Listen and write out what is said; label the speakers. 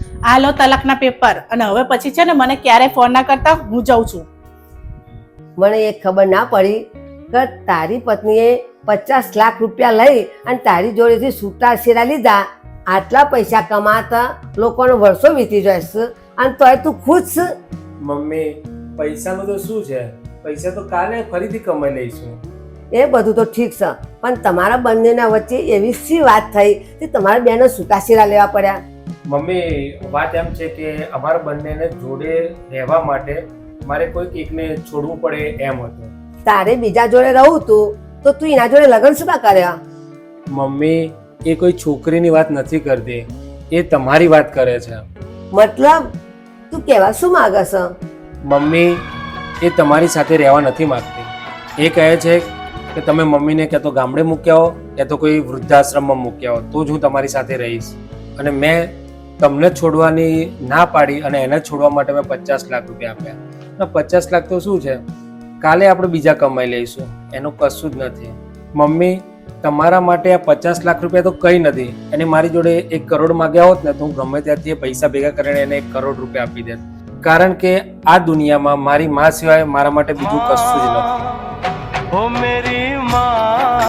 Speaker 1: આ લો તલાકના પેપર, અને હવે પછી છે ને મને ક્યારે ફોન ના કરતા, હું જાઉં છું.
Speaker 2: મને એ ખબર ના પડી કે તારી પત્નીએ 50 લાખ રૂપિયા લઈ અને તારી જોડેથી છૂટા છેડા લીધા. આટલા પૈસા કમાતા લોકોનો વર્ષો વીતી જશે અને તોય તું ખુશ છે?
Speaker 3: મમ્મી, પૈસાનું તો શું છે, પૈસા તો કાલે ફરીથી કમાઈ લઈશું.
Speaker 2: એ બધું તો ઠીક છે, પણ તમારા બંનેના વચ્ચે એવી શી વાત થઈ કે તમારા બેનો છૂટાછેડા લેવા પડ્યા?
Speaker 3: મમ્મી, વાત એમ છે કે અમારા બંનેને જોડે રહેવા માટે મારે કોઈક એકને છોડવું પડે એમ હતું.
Speaker 2: તારે બીજા જોડે રહું તું તો તું એના જોડે લગ્ન શું કા કર્યા?
Speaker 3: મમ્મી, એ કોઈ છોકરીની વાત નથી કરતી, એ તમારી વાત કરે છે.
Speaker 2: મતલબ તું કહેવા શું માંગે છે?
Speaker 3: મમ્મી, એ તમારી સાથે રહેવા નથી માંગતી. એ કહે છે કે તમે મમ્મીને ક્યાં તો ગામડે મૂક્યા હો ક્યાં તો કોઈ વૃદ્ધાશ્રમમાં મૂક્યા હો તો જ હું તમારી સાથે રહીશ. અને મેં તમને છોડવાની ના પાડી અને એને છોડવા માટે મેં 50 લાખ રૂપિયા આપ્યા. અને 50 લાખ તો શું છે, કાલે આપણે બીજા કમાઈ લઈશું, એનું કશું જ નથી. મમ્મી, તમારા માટે આ 50 લાખ રૂપિયા તો કંઈ નથી. એને મારી જોડે 1 કરોડ માંગ્યા હોત ને તો હું ગમે ત્યાંથી એ પૈસા ભેગા કરીને એને 1 કરોડ રૂપિયા આપી દેત. કારણ કે આ દુનિયામાં મારી માં સિવાય મારા માટે બીજું કશું જ નથી.